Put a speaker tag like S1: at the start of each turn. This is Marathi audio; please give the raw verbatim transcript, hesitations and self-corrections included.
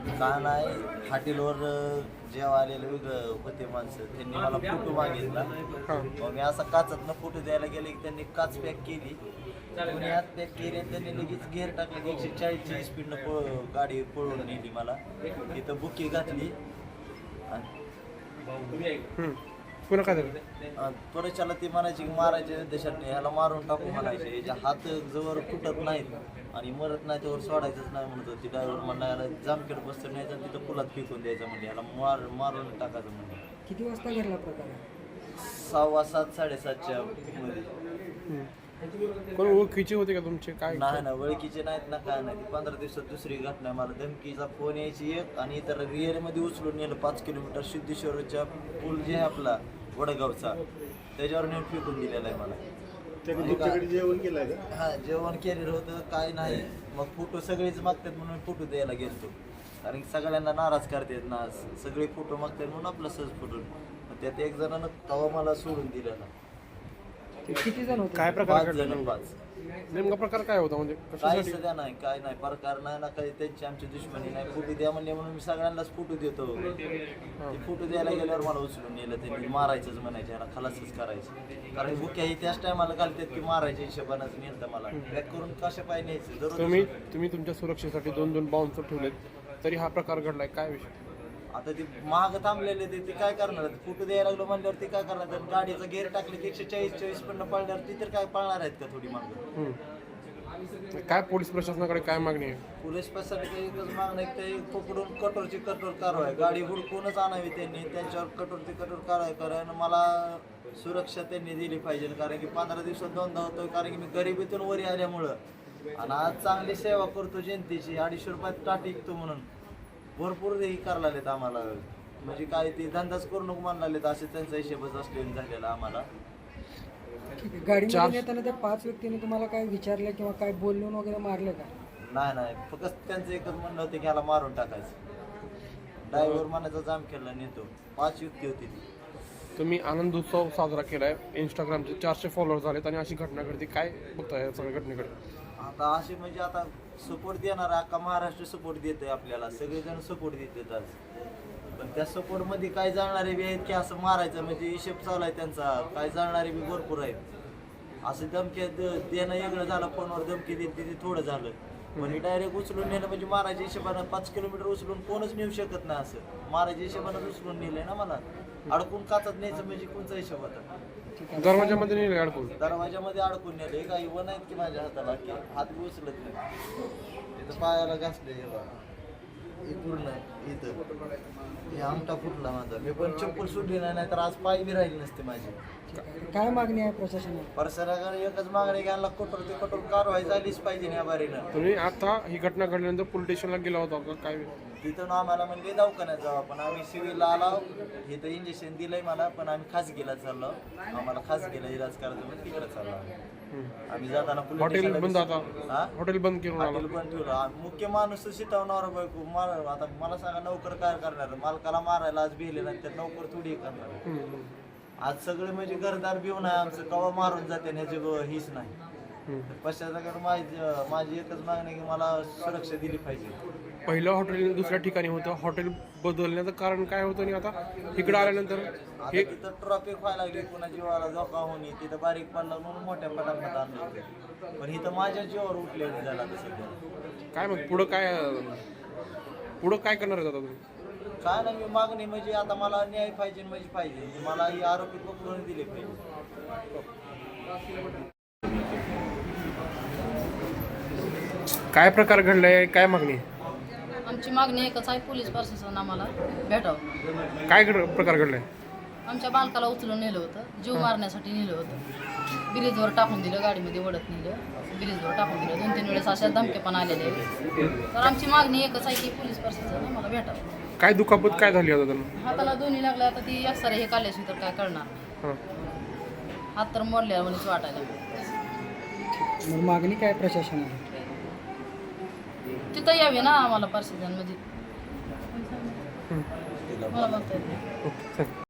S1: का नाही हॉटेलवर जेव्हा आलेले वेगळं होते माणसं त्यांनी मला फोटो मागितला. मग मी असा काचातनं फोटो द्यायला गेले की त्यांनी काच पॅक केली, कोणी हात पॅक केली आणि त्यांनी लगेच गेअर टाकले की एकशे चाळीसची स्पीडनं पळ गाडी पळवून नेली मला. तिथं बुकी घातली आणि
S2: पुन्हा काय झालं?
S1: त्वरेच्याला ती म्हणायची की मारायचे देशात ह्याला मारून टाकू म्हणायचे, याच्या हात जवळ फुटत नाहीत आणि मरत नाही त्यावर सोडायचंच नाही म्हणत होती. ड्रायव्हर म्हणला याला जामखेड बसतं न्यायचं आणि तिथं पुलात फेकून द्यायचं म्हणजे याला मार मारून टाकायचं म्हणजे.
S3: किती वाजता घडला प्रकार?
S1: सव्वा सात साडेसातच्या मध्ये.
S2: कोण ओळखीचे होते का तुमचे? काय
S1: नाही ना ओळखीचे नाहीत ना काय नाही. पंधरा दिवसात दुसरी घटना, मला धमकीचा फोन यायची एक आणि इतर रिअरमध्ये उचलून नेलं पाच किलोमीटर सिद्धेश्वरच्या पूल जे आहे आपला वडगावचा त्याच्यावर नेऊन फेकून दिलेला आहे मला.
S4: जेवण केलंय का?
S1: हा जेवण केलेलं होतं काय नाही. मग फोटो सगळेच मागतात म्हणून फोटो द्यायला गेलतो, कारण सगळ्यांना नाराज करतात ना, सगळे फोटो मागतात म्हणून आपला सहज फोटो. त्यात एक जणांना तवा मला सोडून दिला ना.
S3: किती जण होते?
S2: काय प्रकार
S1: पाच
S2: घडला?
S1: जण पाच.
S2: नेमका प्रकार काय होता म्हणजे
S1: काही
S2: कशासाठी?
S1: सध्या नाही, काय नाही प्रकार नाही ना, काही त्यांची आमची दुश्मनी नाही. फोटो द्या म्हणले म्हणून मी सगळ्यांनाच फोटो देतो. ते फोटो द्यायला गेल्यावर मला उचलून नेलं, त्यांनी मारायचंच म्हणायचे, याला खलासच करायचं. कारण बुक्या ही त्याच टायमाला घालतात की मारायच्या हिशोबानंच नेलं मला. पॅक करून कशा पाय न्यायचं दररोज.
S2: तुम्ही तुम्ही तुमच्या सुरक्षेसाठी दोन दोन बाउन्सर ठेवलेत तरी हा प्रकार घडलाय, काय विषय?
S1: आता ते महाग थांबलेले ते ते काय करणार? फोटो द्यायला लागलो म्हणल्यावर ते काय करणार? गाडीचा गेअर टाकले की एकशे चाळीस चाळीस पण पळणार, ती तर काय पळणार आहेत का थोडी मागं?
S2: हम्म. काय पोलीस प्रशासनाकडे काय मागणी आहे?
S1: पोलीस प्रशासनाकडे एकच मागणं आहे की ते पकडून कठोरची कठोर कारवाई, गाडी हुडकूनच आणावी त्यांनी, त्यांच्यावर कठोरची कठोर कारवाई करा आणि मला सुरक्षा त्यांनी दिली पाहिजे. कारण की पंधरा दिवसात दोनदा होतो, कारण की मी गरिबीतून वरी आल्यामुळं आणि आज चांगली सेवा करतो जनतेची, अडीचशे रुपयात टाट विकतो म्हणून भरपूर हे करायला लागलेत आम्हाला. म्हणजे काय ते धंदाच करू नको म्हणायला लागलेत, असे त्यांचा हिशेबच असलेला झालेला आम्हाला.
S3: गाडीमध्ये येताना त्या पाच व्यक्तींनी तुम्हाला काय विचारलं किंवा काय बोलून वगैरे मारलं का?
S1: नाही नाही, फक्त त्यांचं एकच म्हणणं होतं की ह्याला मारून टाकायचं. ड्रायव्हर मनाचा जाम केला नेतो. पाच युक्ती होती ती.
S2: तुम्ही आनंद उत्सव साजरा केलाय, इंस्टाग्रामचे चारशे फॉलोअर झालेत आणि अशी घटना घडते, काय बघताय या सगळ्या घटनेकडे?
S1: आता असे म्हणजे आता सपोर्ट देणार अख्खा महाराष्ट्र सपोर्ट देतोय आपल्याला, सगळेजण सपोर्ट देतात आज. पण त्या सपोर्टमध्ये काय जाणारे बी आहेत की असं मारायचं म्हणजे हिशेब चालू आहे त्यांचा. काय जाणारे बी भरपूर आहेत. असं धमकी देणं वेगळं झालं, फोनवर धमकी देत ते थोडं झालं. म्हणजे डायरेक्ट उचलून नेलं म्हणजे मारायच्या हिशोबानं पाच किलोमीटर उचलून कोणच नेऊ शकत नाही. असं मारायच्या हिशोबानं उचलून नेलंय ना मला. अडकून काचत न्यायचं म्हणजे कोणचा हिशोब होता?
S2: दरवाजामध्ये नेले अडकून?
S1: दरवाजामध्ये अडकून नेले. काही वन आहेत की माझ्या हाताला की हात बी उचलत नाही. तिथं पायाला घासले हे पूर्ण इथं हे आमटा फुटला माझा. मी पण चप्पल सुटली नाही, नाही तर आज पाय बी राहिली नसते माझी.
S3: काय मागणी आहे प्रशासनाला?
S1: परसराकडे एकच मागणी घ्यायला, कठोर ते कठोर कारवाई झालीच पाहिजे या बारीनं.
S2: तुम्ही आता ही घटना घडल्यानंतर पोलीस स्टेशनला गेला होता का? काय
S1: तिथून आम्हाला म्हणजे दवाखान्यात जावं, पण आम्ही सिव्हिलला आलो. इथं इंजेक्शन दिलंय मला, पण आम्ही खासगीला चाललो. आम्हाला खासगीला इलाज करायचं म्हणून तिकडे चाललो आम्ही. जाताना
S2: हॉटेल बंद, आता
S1: हा
S2: हॉटेल बंद केलं.
S1: हॉटेल बंद ठेवलं. मुख्य माणूस शिटवणार बायको मार. आता मला सांगा नोकर काय करणार? मालकाला मारायला आज भिले नाही तर नोकर थोडी करणार. आज सगळे म्हणजे घरदार भिवून आहे आमचं, कवा मारून जाते ह्याची हीच नाही. पश्चात माझी माझी एकच मागणी की मला सुरक्षा दिली पाहिजे.
S2: पहिलं हॉटेल दुसऱ्या ठिकाणी होतं, हॉटेल बदलण्याचं कारण काय होतं आणि आता इकडे आल्यानंतर
S1: हे तिथं ट्रॉफिक व्हायला लागली, पुन्हा जीवाला धोका होणे, तिथं बारीक पडला म्हणून मोठ्या पटापट आणलं होतं. पण इथं माझ्या जीवावर उठलेलं झाला सध्या.
S2: काय मग पुढं काय पुढं काय करणार आहे आता तुम्ही?
S1: काय नाही, मी मागणी म्हणजे आता मला न्याय पाहिजे म्हणजे पाहिजे, मला ही आरोपी पकडून दिले पाहिजे.
S2: काय प्रकार घडलाय, काय मागणी?
S5: आमची मागणी एकच आहे, पोलीस प्रशासन आम्हाला भेटावं.
S2: काय घड प्रकार घडलाय?
S5: आमच्या बालकाला उचलून नेलं होतं, जीव मारण्यासाठी नेलं होतं. ब्रिजवर टाकून दिलं, गाडीमध्ये ओढत नेलं, ब्रिजवर टाकून दिलं. दोन तीन वेळेस अशा धमके पण आलेले आहेत. तर आमची मागणी एकच आहे की पोलीस प्रशासन आम्हाला भेटावं.
S2: काय दुखापत काय झाली आता त्यांना?
S5: हाताला दोन्ही लागल्या, आता ती एक्सरे हे काढल्याशी तर काय करणार?
S2: हां,
S5: हात तर मोडल्या म्हणून वाटायला.
S3: मग मागणी काय प्रशासनाला?
S5: तिथं यावे ना आम्हाला प्रशासन, म्हणजे मला बघता येत नाही.
S2: ओके.